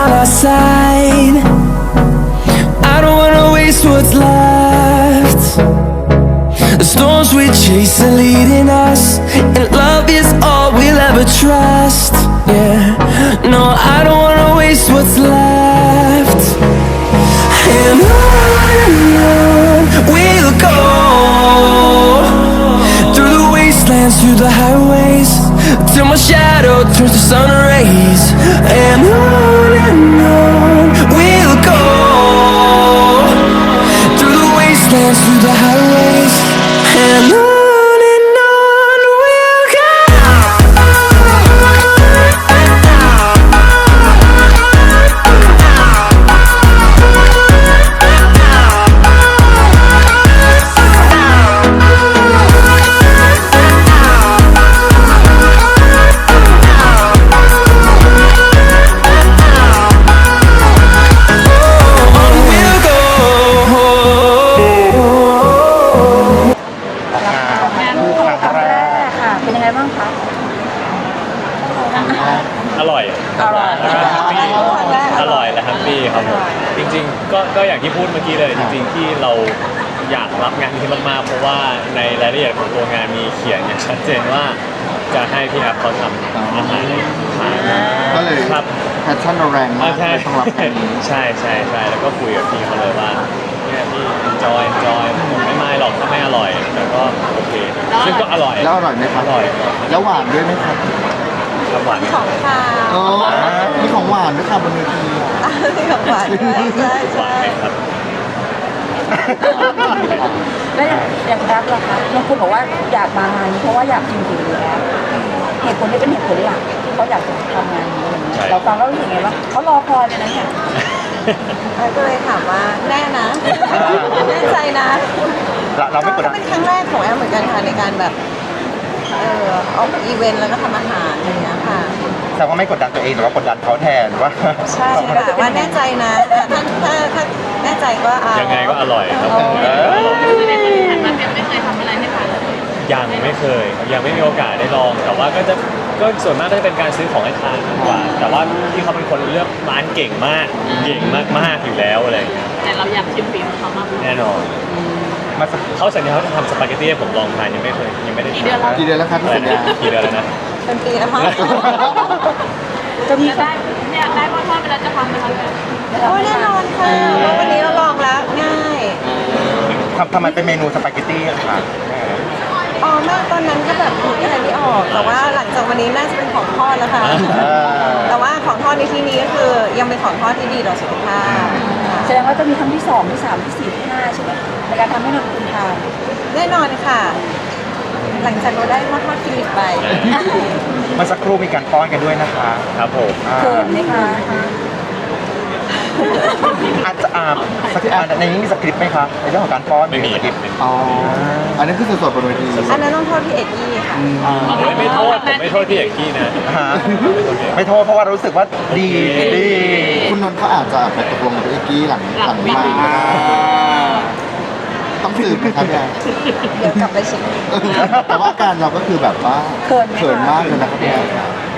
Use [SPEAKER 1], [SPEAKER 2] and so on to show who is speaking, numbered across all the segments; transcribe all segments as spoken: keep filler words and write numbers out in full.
[SPEAKER 1] on our side. I don't wanna waste what's left. The storms we chase are leading us, and love is all we'll ever trust. Yeah, no, I don't wanna waste what's left. And on and on we'll go, through the wastelands, through the highways, till my shadow turns to sun rays. And on and on we'll go, through the wastelands, through the highways, and on.
[SPEAKER 2] อร่อยอร่อยแฮปปี้อร่อยและแฮปปี้ครับผมจริงๆก็ก็อย่างที่พูดเมื่อกี้เลยจริงๆที่เราอยากรับงานนี้มากๆเพราะว่าในรายละเอียดของตัวงานมีเขียนอย่างชัดเจนว่าจะให้พี่แอฟเขาทำอาหารให้ทาน
[SPEAKER 3] ก็เลย
[SPEAKER 2] ครับ
[SPEAKER 3] แพชชั่นเราแรงมากต้องรับงานนี้
[SPEAKER 2] ใช่ใช่ใช่แล้วก็คุยกับพี่เขาเลยว่าเนี่ยพี่ enjoy enjoy ผมไม่ไม่หรอกถ้าไม่อร่อยแต่ก็โอเคซึ่งก็อร่อย
[SPEAKER 3] แล้วอร่อยไหมครับ
[SPEAKER 2] อร่อย
[SPEAKER 3] แล้วหวานด้วยไหมครับ
[SPEAKER 2] หวาน
[SPEAKER 4] ของข้าว
[SPEAKER 3] อ๋อมีของหวานด้วยค่ะบนเวที
[SPEAKER 4] มีของหวานใช่ใช่
[SPEAKER 2] ครับ
[SPEAKER 5] แล้วอย่างแอปล่ะคะบางคนบอกว่าอยากมางานนี้เพราะว่าอยากกินฝีมือแอปเหตุผลนี้เป็นเหตุผลหลักที่เขาอยากจะทำงานนี้เราฟังแล้วรู้สึกไงบ้างเขารอคอยเลยนะเนี่ย
[SPEAKER 4] ก็เลยถามว่าแน่นะแน่ใจนะ
[SPEAKER 3] เราไม่กดดัน
[SPEAKER 4] เป็นครั้งแรกของแอปเหมือนกันค่ะในการแบบเออออกอีเวนต์แล้วก็ทำอาหารอย่างเงี้ยค่ะ
[SPEAKER 3] แต่ว่าไม่กดดันตัวเองหรือว่ากดดันเขาแทนว่า
[SPEAKER 4] ใช่ค่ะว่าแน่ใจนะถ้าถ้าถ้าแน่ใจก็เอา
[SPEAKER 2] ยังไงก็อร่อยครับ
[SPEAKER 5] คือในคนที่ผ่านมาแอปไม่เคยทำอะไรให้ทานเลย
[SPEAKER 2] ยังไม่เคยยังไม่มีโอกาสได้ลองแต่ว่าก็จะก็ส่วนมากก็จะเป็นการซื้อของให้ทานมากกว่าแต่ว่าที่เขาเป็นคนเลือกร้านเก่งมากเก่งมากๆอยู่แล้วอะไรอย่างเงี้ย
[SPEAKER 5] แต่เราอยากชิมฝีมือเขามาก
[SPEAKER 2] แน่นอนมาเขาสัญญาเขาจะทำสปาเกตตี้ให้ผมลองทานยังไม่เคยยังไม่ได้ทาน
[SPEAKER 3] กี่เดือนแล้วครับที่สัญญา
[SPEAKER 2] กี่เดือนแล้วนะ
[SPEAKER 4] เป็นปีแล้วมั้ง
[SPEAKER 5] จะมีได้เนี่ยได้พ่อพ่อไปแล้วจะทำไหมคะ
[SPEAKER 4] โอ้แน่นอนค่ะวันนี้เราลองแล้วง่าย
[SPEAKER 3] ทำทำไมเป็นเมนูสปาเกตตี้ค่ะ
[SPEAKER 4] อ๋อแม่ตอนนั้นก็แบบคิดอะไรไม่ออกแต่ว่าหลังจากวันนี้น่าจะเป็นของทอดแล้วค่ะแต่ว่าของทอดในที่นี้ก็คือยังเป็นของทอดที่ดีต่อสุขภาพ
[SPEAKER 5] แสดงว่าจะมีทั้งที่สองที่สามที่สี่ที่ห้าใช่ไหมในการทำให้นนคุณทาน
[SPEAKER 4] แน่นอนค่ะหลังจากเราได้มาทอดฟิลิปไป
[SPEAKER 3] เมื่อสักครู่มีการป้อนกันด้วยนะคะ
[SPEAKER 2] ครับผม
[SPEAKER 5] เขินไหมคะ
[SPEAKER 3] อาจจะอ่าสคริปต์ในนี้มีสคริปต์ไหมคะในเรื่องของการป้อน
[SPEAKER 2] ไม่มี
[SPEAKER 3] สคริปต์อ๋ออันนั้นคือสดๆบนเวที
[SPEAKER 4] อันนั้นต้องโทษพี่เอกกี้ค่ะ
[SPEAKER 2] ไม่โทษผมไม่โทษพี่เอกกี้นะ
[SPEAKER 3] ไม่โทษเพราะว่ารู้สึกว่าดีดีคุณนนท์เขาอาจจะไปตกลงกับพี่เอกกี้หลังหลังมาต้องสืบนะครับเนี่ย
[SPEAKER 4] เดี๋ยวกลับไปเช็ค
[SPEAKER 3] แต่ว่าการเราก็คือแบบว่าเขินมากเลยนะครับเนี่ย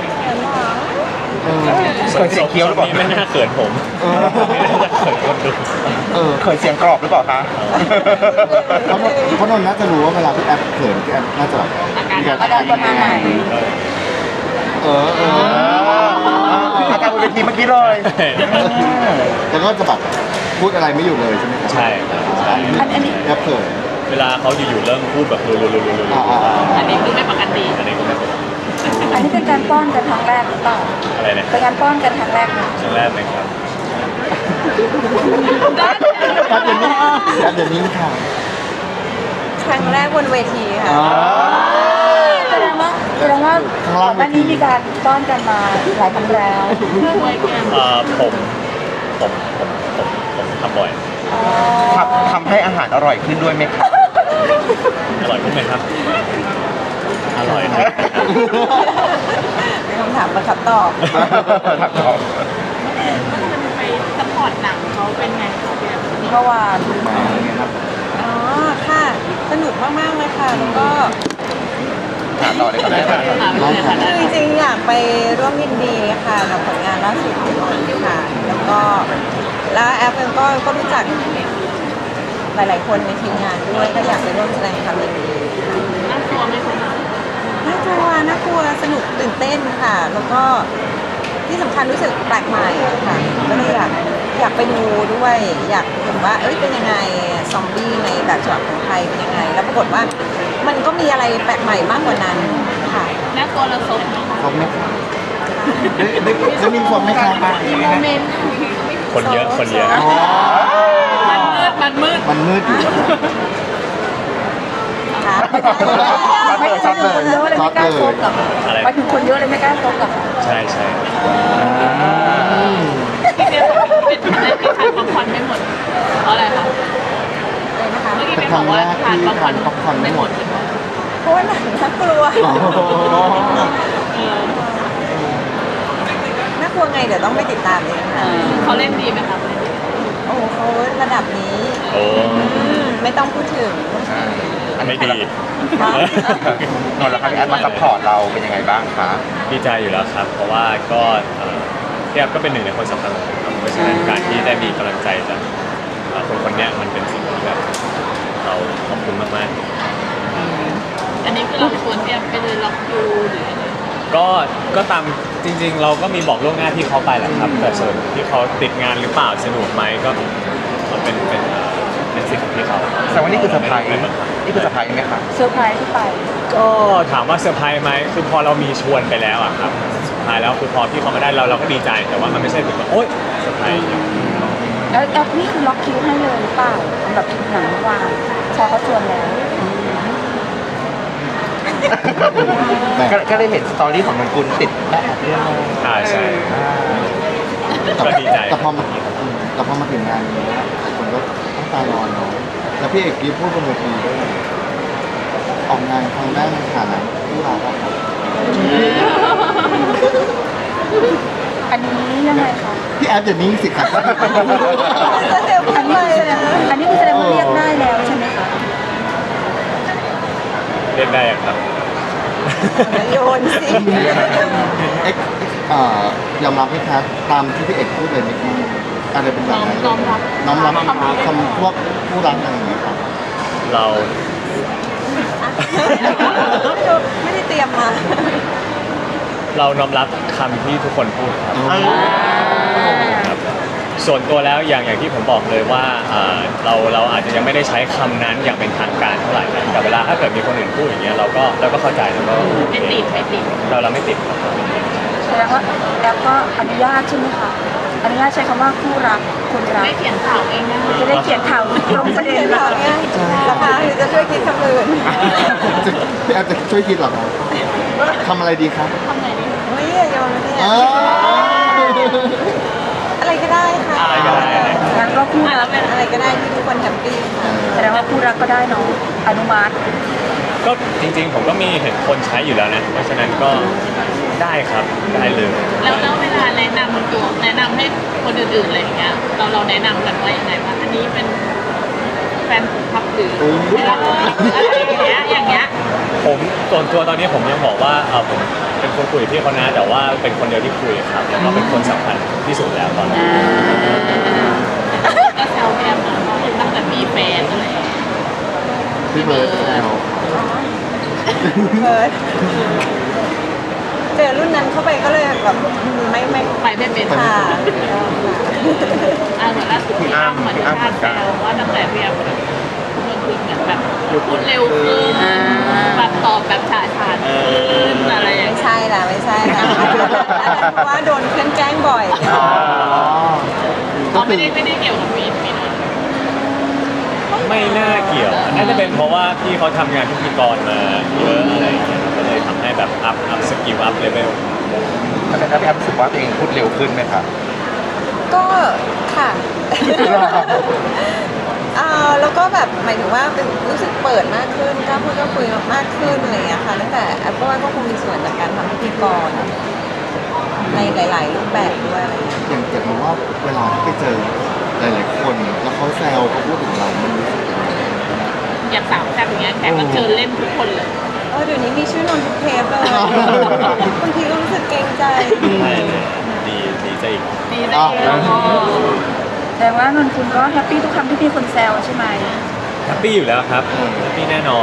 [SPEAKER 2] เขินเสียงเคี้ยวหรือเปล่าไม่น่าเขินผมไม่น่าจะเขินคนดู
[SPEAKER 3] เขินเสียงกรอบหรือเปล่าคะเพราะนนท์น่าจะรู้ว่าเวลาพี่แอปเขินพี่แอปน่าจะแบบ
[SPEAKER 5] อาการประมาณไหน
[SPEAKER 3] เออเอออาการบนเวทีเมื่อกี้เลยแล้วก็จะแบบพูดอะไรไม่อยู่เลยใช่ไหม
[SPEAKER 2] ใช่ใช่
[SPEAKER 5] อันนี้
[SPEAKER 3] แอปเขิน
[SPEAKER 2] เวลาเขาอยู่ๆเริ่มพูดแบบรัวๆๆ
[SPEAKER 5] ๆอันนี้คือไม่ปกติ
[SPEAKER 2] อันนี้ก็ไม่ปกติ
[SPEAKER 5] อันนี้เป็นการป้อนกันครั้งแรกหรือเปล่า
[SPEAKER 2] อะไรเนี่ย
[SPEAKER 5] เป็นการป้อนกันครั้งแรกไหม
[SPEAKER 2] ครั้งแรกไหมครับ
[SPEAKER 3] ครับเดี๋ยวนี้ครับเดี๋ยวนี้ค่ะ
[SPEAKER 4] ครั้งแรกบนเวทีค่ะ
[SPEAKER 5] แสดงว่าแสดงว่าก่อนหน้านี้มีการป้อนกันมาหลายครั้งแล้ว
[SPEAKER 2] เอ่อผมผมผมผมผมทำบ่อย
[SPEAKER 3] ทำทำให้อาหารอร่อยขึ้นด้วยไหมครับ
[SPEAKER 2] อร่อยขึ้นไหมครับอร่อย
[SPEAKER 4] คำถามประคับตอบ
[SPEAKER 3] ถามตอบ
[SPEAKER 5] ไปซัพพอร์ตหนังเขาเป็นไงคะ
[SPEAKER 4] เมื่อวานอ๋อค่ะสนุกมากๆเลยค่ะแล้วก็
[SPEAKER 3] ถามต่อเลยครับ
[SPEAKER 4] คือจริงๆอยากไปร่วมยินดีค่ะกับผลงานล่าสุดของเราค่ะฟเองก็ก็รู้จักหลาย ๆ คนในทีมงานด้วยก็อยากไปร่วมแสดงความยินดี
[SPEAKER 6] น่ากลัวไหมคะ
[SPEAKER 4] น่ากลัวน่ากลัวสนุกตื่นเต้นค่ะ แล้วก็ที่สำคัญรู้สึกแปลกใหม่ค่ะก็เลยอยากอยากไปดูด้วย อยากเห็นว่าเอ้ยเป็นยังไงซอมบี้ในแบบฉบับของไทยเป็นยังไง แล้วปรากฏว่ามันก็มีอะไรแปลกใหม่มากกว่านั้นค่ะ
[SPEAKER 6] น่ากลัวระซบไหมคะ
[SPEAKER 3] ครบไหมคะได้ได้ได้มีครบไหมคะ
[SPEAKER 6] มีโมเมนต์
[SPEAKER 2] คนเยอะคนเยอะ
[SPEAKER 3] อ๋อ
[SPEAKER 6] มันมืดมันมืด
[SPEAKER 3] มันมืดอยู่
[SPEAKER 4] ครับ
[SPEAKER 5] ไม่ใช่คนเยอะเลยไม่กล้าซบหรอก
[SPEAKER 2] อะไร
[SPEAKER 5] ไปถึงคนเยอะเลยไม่กล้าซบหรอก
[SPEAKER 2] ใช่ใช่
[SPEAKER 6] ที่เดียวเป็นเป็นได้ที่ทานป๊อปคอร์นไม่หมดเพราะอะไรคะ
[SPEAKER 4] เลยนะคะ
[SPEAKER 6] เมื่อกี้
[SPEAKER 3] เป็
[SPEAKER 6] เป็น น
[SPEAKER 3] ค
[SPEAKER 6] บ
[SPEAKER 3] รั้
[SPEAKER 6] อง ก
[SPEAKER 3] แร
[SPEAKER 6] ว่าก ทาน
[SPEAKER 3] ที่
[SPEAKER 6] ป๊อปคอ
[SPEAKER 3] ทา
[SPEAKER 6] ร์
[SPEAKER 3] น
[SPEAKER 6] น
[SPEAKER 3] ป๊อปคอร์นไม่หมด
[SPEAKER 4] เพราะว่าหนังน่ากลัว
[SPEAKER 3] อ๋อ
[SPEAKER 4] น่ากลัวไงเดี๋ยวต้องไปติดตามเองค่ะ
[SPEAKER 6] เขาเล่นดีไหมคะ
[SPEAKER 4] โอ้โหเขาระดับนี้
[SPEAKER 2] โอ้
[SPEAKER 4] อืมไม่ต้องพูดถึง
[SPEAKER 2] ไม่ดี
[SPEAKER 3] นนท์แล้วครับพี่แอดมาซัพพอร์ตเราเป็นยังไงบ้างคะ
[SPEAKER 2] ดีใจอยู่แล้วครับ เพราะว่าก็เอ่อพี่แอฟก็เป็นหนึ่งในคนสำคัญของผมครับเพราะฉะนั้นการที่ได้มีกำลังใจจากเอ่อคนคนเนี้ยมันเป็นสิ่งที่แบบเราขอบคุณมากๆ
[SPEAKER 6] อันนี้คือเราชวนเตรียมไปเลยล็อกคิวหรืออะไร
[SPEAKER 2] ก็ก็ตามจริงๆ เราก็มีบอกล่วงหน้าที่เขาไปแหละครับ แต่ส่วนที่เขาติดงานหรือเปล่าสนุกไหมก็มันเป็นเป็นเอ่อเป็นสิทธิ์ของที่เขา
[SPEAKER 3] แต่ว่านี่คือเซอร์ไพรส์
[SPEAKER 2] ม่บังคับ
[SPEAKER 3] นี่คือเซอร์ไพรส์ไหมคะ
[SPEAKER 5] เซอร์ไพรส์ที่ไป
[SPEAKER 2] ก็ถามว่าเซอร์ไพรส์ไหมคือพอเรามีชวนไปแล้วอะครับสุดท้ายแล้วคือพอที่เขามาได้เราเราก็ดีใจแต่ว่ามันไม่ใช่ถึงว่าโอ๊ยเซอร์ไพรส์อย่างเงี้ย
[SPEAKER 5] แล้วแอปนี่คือล็อกคิวให้เลยหรือเปล่าสำหรับคิวหนังเมื่อวานพอเขาชวนแล้ว
[SPEAKER 3] ก็ก็ได้เห็นสตอรี่ของนนกุลติดแม่แอดเรื่อง
[SPEAKER 2] อ่าใช่ ก็ดีใจ
[SPEAKER 3] แต่พอมาแต่พอมาถึงงานนี้หลายคนก็ต้องตายรอเนาะแล้วพี่เอกกี้พูดบนเวทีด้วยออกงานครั้งแรกในฐานะผู้รับอะครับ
[SPEAKER 5] อันนี้ยังไงคะ
[SPEAKER 3] พี่แอดอย่างนี้สิครับ
[SPEAKER 4] เดี๋ยว
[SPEAKER 5] อัน
[SPEAKER 4] ไป
[SPEAKER 5] นี้คือแสดงอันนี้คือแสดงว่าเรียกได้แล้วใช่ไหมคะ
[SPEAKER 2] เรียกได้อะครับ
[SPEAKER 4] โยนสิ
[SPEAKER 3] เอ็กเอ่อยอมรับไหมครับตามที่พี่เอกพูดเลยไหมครับอะไรเป็นแบบนั้น
[SPEAKER 6] น้อมรับ
[SPEAKER 3] น้อมรับคำพวกผู้รักอะไรอย่างเงี้ยครับ
[SPEAKER 2] เรา
[SPEAKER 4] ไม่ได้เตรียมมา
[SPEAKER 2] เราน้อมรับคำที่ทุกคนพูดครับ ครับส่วนตัวแล้วอย่างอย่างที่ผมบอกเลยว่าอ่าเราเราอาจจะยังไม่ได้ใช้คำนั้นอย่างเป็นทางการเท่าไหร่นะแต่เวลาถ้าเกิดมีคนอื่นพูดอย่างเงี้ยเราก็เราก็เข้าใจแล้วก็
[SPEAKER 6] ไม่ติดไม่ติด
[SPEAKER 2] เราเราไม่ติดครับ
[SPEAKER 5] แสดงว่าแอปก็อนุญาตใช่ไหมคะอนุญาตใช้คำว่าคู่รักคนรัก
[SPEAKER 6] ไม่เขียนข่าวเองนะ
[SPEAKER 5] จะได้เขียนข่าวตรงประเด็น
[SPEAKER 4] เห็น
[SPEAKER 5] เหร
[SPEAKER 4] ข่า
[SPEAKER 5] อ
[SPEAKER 4] วเนี่ยราคาหรือจะช่วยคิดคำอื่น
[SPEAKER 3] จะพี่แอดจะช่วยคิดเหรอครับทำอะไรดีครับ
[SPEAKER 6] ทำไงดี
[SPEAKER 4] เฮ้ยอย่าโยนมาเนี่ย
[SPEAKER 3] อ้าว
[SPEAKER 4] อะไรก็ได้ค่ะ
[SPEAKER 2] อะไรก็ได้นะ
[SPEAKER 5] งั้นก็คู่
[SPEAKER 6] อ่ะ
[SPEAKER 5] รั
[SPEAKER 6] แล้
[SPEAKER 5] ก
[SPEAKER 6] วเป็น
[SPEAKER 4] อะไรก็ได้ที่ทุกคนแฮปปี้ค่ะ
[SPEAKER 5] แสดงว่าคู่รักก็ได้เนาะอนุมัติ
[SPEAKER 2] ก็จริงๆ ผมก็มีเห็นคนใช้อยู่แล้วนะ เพราะฉะนั้นก็ได้ครับได้เลย
[SPEAKER 6] แล้วแล้วเวลาแนะนำตัวแนะนำให้คนอื่นๆอะไรอย่างเงี้ยเราเราแนะนำกันว่ายังไงว่าอันนี้เป็นแฟนพับหรืออะไรอย่างเงี้ยอย่างเงี้ย
[SPEAKER 2] ผมส่วนตัวตอนนี้ผมยังบอกว่าเออผมเป็นคนคุยกับพี่เขานะแต่ว่าเป็นคนเดียวที่คุยครับแล้วก็เป็นคนสำคัญที่สุดแล้วตอนนี้
[SPEAKER 6] ก็แซวแอมตั้งแต่มีแฟนอะไรอย่างเงี้ย
[SPEAKER 3] พี่เบิร์ดแซว
[SPEAKER 4] เบิร์ดเจอรุ่นนั้นเข้าไปก็เลยแบบไม่ไม่
[SPEAKER 6] ไปไม่เป็น
[SPEAKER 4] ค่ะ
[SPEAKER 6] อ่าเหมือนล่าสุดพี่อ้ำเหมือนชาติแซวว่าตั้งแต่เรียนเมื่อคืนเหมือนแบบพูดเร็วขึ้นแบบตอบแบบฉาฉานขึ้นอะไรอย่าง
[SPEAKER 4] ไม่
[SPEAKER 6] เงี้ย
[SPEAKER 4] ใช่ละไม่ใช่ละเพราะว่าโดนเพื่อนแกล้งบ่อย
[SPEAKER 3] อ๋อ
[SPEAKER 6] อ๋อไม่ได้ไม่ได้เกี่ยวกับมีดมีด
[SPEAKER 2] ไม่น่าเกี่ยวน่าจะเป็นเพราะว่าพี่เขาทำงานพิธีกรมาเยอะอะไรอย่างเงี้ยก็เลยทำให้แบบอัพอัพสกิลอัพเลเวล
[SPEAKER 3] แล้วพี่แอดรู้สึกว่าตัวเองพูดเร็วขึ้นไหมครับ
[SPEAKER 4] ก็ค่ะเอ่อแล้วก็แบบหมายถึงว่าเป็นรู้สึกเปิดมากขึ้นกล้าพูดกล้าคุยมากขึ้นอะไรอย่างเงี้ยค่ะตั้งแต่แอปก็ว่าก็คงมีส่วนจากการทำพิธีกรในหลาย ๆ รูปแบบด้วยอะไรอย่างเงี้ย
[SPEAKER 3] อย่างเกิดมาว่าเวลาที่ไปเจอหลายๆคนแล้วเขาแซวเขาพูดถึงเรามันรู้สึกยังไง
[SPEAKER 6] อย่างสาวแซ่บอย่างเงี้ยแขกรับเชิญเล่นทุกคนเลย
[SPEAKER 4] เออเดี๋ยวนี้มีชื่อนนทุกเทปเลยบางทีก็รู้สึกเกรงใจ
[SPEAKER 2] ใช่เลยดีดีซะอีก
[SPEAKER 6] ดีได้เอง
[SPEAKER 5] แต่ว่านนคุณก็แฮปปี้ทุกครั้งที่มีคนแซวใช่ไหม
[SPEAKER 2] แฮปปี้อยู่แล้วครับแฮปปี้แน่นอน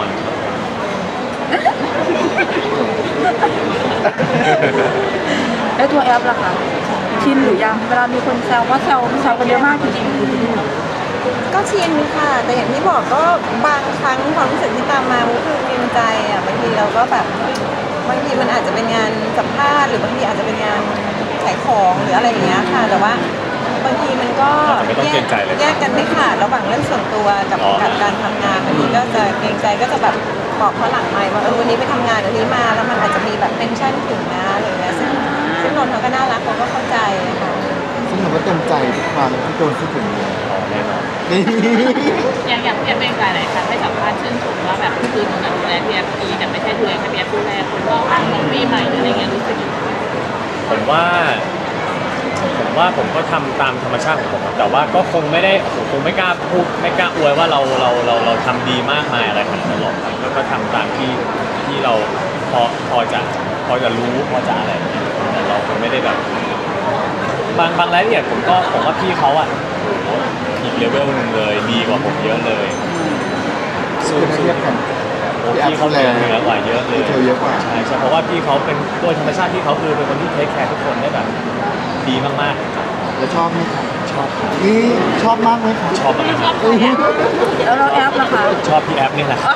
[SPEAKER 5] แล้วตัวแอปล่ะคะชินหรือยังเวลามีคนแซวว่าแซวแซวกันเยอะมากจริง
[SPEAKER 4] ก็ชินค่ะ แต่อย่างที่บอกก็บางครั้งความรู้สึกที่ตามมามุกคือเกรงใจอ่ะบางทีเราก็แบบบางทีมันอาจจะเป็นงานสัมภาษณ์หรือบางทีอาจจะเป็นงานขายของหรืออะไรอย่างเงี้ยค่ะ แต่ว่าบางทีมันก็
[SPEAKER 2] ไม่ต้องเกรงใจเลย
[SPEAKER 4] แยกกันไม่ขาดระหว่างเรื่องส่วนตัวกับ
[SPEAKER 2] อ๋อ
[SPEAKER 4] กับการทำงานบางทีก็จะเกรงใจก็จะแบบบอกเขาหลังไมค์ว่าเออวันนี้ไปทำงานวันนี้มาแล้วมันอาจจะมีแบบเทนชั่นถึงนะอะไรอย่างเงี้ยซึ่งซึ่งนนท์เขาก็น่ารักเขาก็เข้าใจค่ะ
[SPEAKER 3] ซึ่งเราก็เต็มใจทุกครั้งที่โดนพูดถึงเลย
[SPEAKER 2] อ๋อแน่นอน
[SPEAKER 3] นี่
[SPEAKER 6] อย่างอย่างพี่แอฟเป็นหลายๆครั้งให้สัมภาษณ์ชื่นชมว่าแบบคือหนูดูแลพี่แอฟดีแต่ไม่ใช่ดูแลแค่พี่แอฟดูแลคนรอบข้างน้องปีใหม่หรืออะไรเงี้ยรู้สึกยังไง
[SPEAKER 2] ผมว่าผมว่าผมก็ทำตามธรรมชาติของผมอะแต่ว่าก็คงไม่ได้ผมคงไม่กล้าพูดไม่กล้าอวยว่าเราเราเราเราทำดีมากมายอะไรขนาดนั้นหรอกครับแล้วก็ทำตามที่ที่เราพอพอจะพอจะรู้พอจะอะไรอย่างเงี้ยแต่เราคงไม่ได้แบบ บางบางรายละเอียดผมก็ผมว่าพี่เขาอ่ะอีกเลเวลหนึ่งเลยดีกว่าผมเยอะเลยสู้
[SPEAKER 3] คือถ้า
[SPEAKER 2] สู้
[SPEAKER 3] เทียบกัน
[SPEAKER 2] โอ้พี่เขาเหนือเหนือกว่าเยอะเลย
[SPEAKER 3] เธอเยอะกว่า
[SPEAKER 2] ใช่ใช่เพราะว่าพี่เขาเป็นโดยธรรมชาติที่เขาคือเป็นคนที่เทคแคร์ทุกคนได้แบบดีมากๆครับ
[SPEAKER 3] แล้วชอบไหมครับ
[SPEAKER 2] ชอบ
[SPEAKER 3] นี่ชอบมากไหมครับ
[SPEAKER 2] ชอบมาก
[SPEAKER 6] ชอบใครแอฟ
[SPEAKER 5] ๆแล้วเราแอปล่ะคะ
[SPEAKER 2] ชอบพี่แอฟนี่แหละ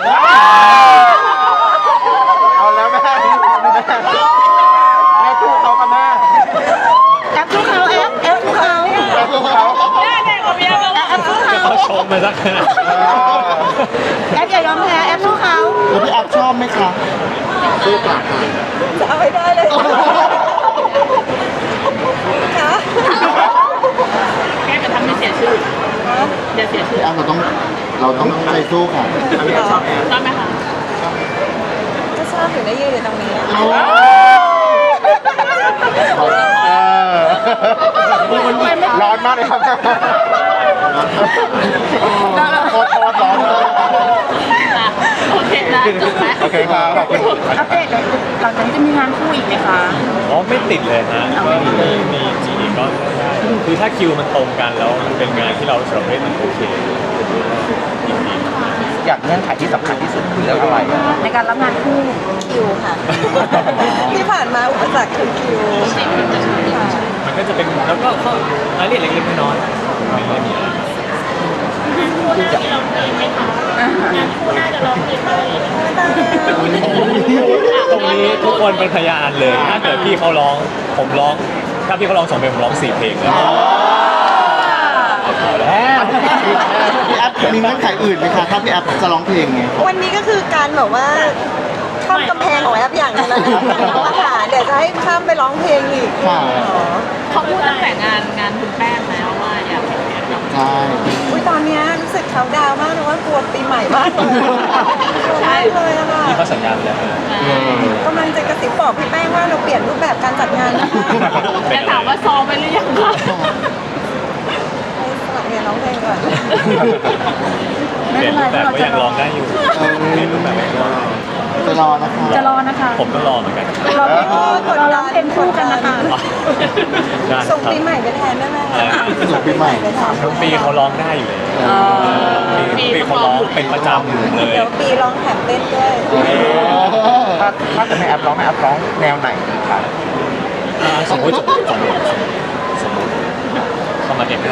[SPEAKER 3] เอาแล้วแม่แม่คู่เขาค่ะแม่
[SPEAKER 5] แอปทุกเขาแอปแอปทุกเขา
[SPEAKER 3] แม่คู่เขา
[SPEAKER 6] แม่แม่ของพี่แอฟแล้ว
[SPEAKER 5] แอปทุกเขา
[SPEAKER 2] เขาชมมาสักขนาด
[SPEAKER 5] แอปอย่ายอมแพ้แอปทุกเขา
[SPEAKER 3] แล้วพี่แอฟชอบไหมคะสู้ปากค่ะ
[SPEAKER 4] จะเอาให้ได้เลยค่ะ
[SPEAKER 6] แกจะทำให้เสียชื่อเดี๋ยวเสียชื่อ
[SPEAKER 3] พี่แอฟเราต้องเราต้องใจสู้ค่ะ
[SPEAKER 6] ชอบไหมคะ
[SPEAKER 4] ก็ชอบอยู่ได้ยืนอยู่ตรงนี้
[SPEAKER 3] เอาร้อนมากเลยครับโคตรร้อนเลย
[SPEAKER 6] อ่ะโอเคนะจบไหม
[SPEAKER 3] โอเคครับขอบคุณ
[SPEAKER 5] อัปเดตหลังจากนี้จะมีงานคู่อีกไหมคะ
[SPEAKER 2] อ๋อไม่ติดเลยนะก็มีมีจีก็ได้คือถ้าคิวมันตรงกันแล้วมันเป็นงานที่เราสำหรับเล่นมันโอเคยินดี
[SPEAKER 3] อยากเงื่อนไขที่สำคัญที่สุดคือเรื่องอะไร
[SPEAKER 5] ในการรับงานคู่
[SPEAKER 4] คิวค่ะ ที่ผ่านมาอุปสรรคคือคิวค่ะ
[SPEAKER 2] มันก็จะเป็นแล้วก็ข้อรายละเอียดเล็กๆน้อยๆไม่ได้มีอะไร ตรงนี้ทุกคนเป็นพยานเลย ถ้าเกิดพี่เขาร้อง ผมร้อง ถ้าพี่เขาร้องสองเพลงผมร้องสี่เพลงแล้วเอาแล้ว
[SPEAKER 3] พี่แอฟมีเงื่อนไขอื่นไหมคะถ้าพี่แอฟจะร้องเพลงไง
[SPEAKER 4] วันนี้ก็คือการแบบว่าข้ามกำแพงของแอปอย่างนึงแล้วนะอาหารเดี๋ยวจะให้ข้ามไปร้องเพลงอีก
[SPEAKER 3] ค่ะ
[SPEAKER 4] อ๋อ
[SPEAKER 6] เขาพูดตั้งแต่งานงานคุณแป้งแล้วว่าอยากเห็นแอฟร้อง
[SPEAKER 3] ใช่
[SPEAKER 4] อุ้ยตอนเนี้ยรู้สึกเขาดาวน์มากเลยว่ากลัวปีใหม่มากเลยกลัวมากเลยอะค่ะ
[SPEAKER 2] นี่เขาสัญญาไปแล้วนะ
[SPEAKER 4] กำลังจะกระซิบบอกพี่แป้งว่าเราเปลี่ยนรูปแบบการจัดงานนะคะ
[SPEAKER 6] จะถามว่าซ้อมไปหรือยังคะ
[SPEAKER 4] ให้สมัครเรียนร้องเพลงก่อน
[SPEAKER 2] เปลี่ยนรูปแบบก็ยังร้องได้อยู่เปลี่ยนรูปแบบก็ยังร้องได้
[SPEAKER 3] จะรอนะคะ
[SPEAKER 5] จะรอนะคะ
[SPEAKER 2] ผมก็รอเหมือนกัน
[SPEAKER 5] เราเราร้องเพลงคู่กันนะคะ
[SPEAKER 2] ได้
[SPEAKER 4] ส่ง
[SPEAKER 2] ครับ
[SPEAKER 4] ปีใหม่ไปแทนได้ไหม
[SPEAKER 2] อะไร
[SPEAKER 4] คะ
[SPEAKER 2] นะ
[SPEAKER 3] ส่งปีใหม่
[SPEAKER 4] ไปแทน
[SPEAKER 2] ทุกปีเขาร้องได้อยู่เลยปีปีเขาร้องเป็นประจำเลย
[SPEAKER 4] เดี๋ยวปีร้องแถมเต้นด้วย
[SPEAKER 3] ถ้าถ้าจะไม่แอปร้องไม่แอปร้องแนวไหนดีคะ
[SPEAKER 2] อ่าสมมติสมมติสมมติสมมติเข้ามาเด็กได้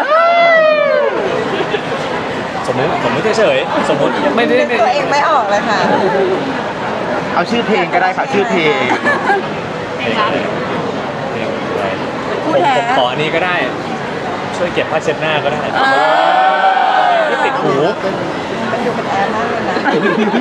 [SPEAKER 2] สมมติสมมติเฉยๆสมมติไม่ได้
[SPEAKER 4] นึก
[SPEAKER 2] ไม่
[SPEAKER 4] ตัวเองไม่ออกเลยค่ะ
[SPEAKER 3] เอาชื่อเพลงก็ได้ค่ะชื่อเพลง
[SPEAKER 2] เพลงอะไรเพลงอะไร
[SPEAKER 5] คู่
[SPEAKER 2] ผม
[SPEAKER 5] แท้
[SPEAKER 2] ผมขออันนี้ก็ได้ ช่วยเก็บผ้าเช็ดหน้าก็ได้
[SPEAKER 5] เออ
[SPEAKER 2] ที่ติดหู
[SPEAKER 4] มันดูเป็นแอร์มากเลยนะ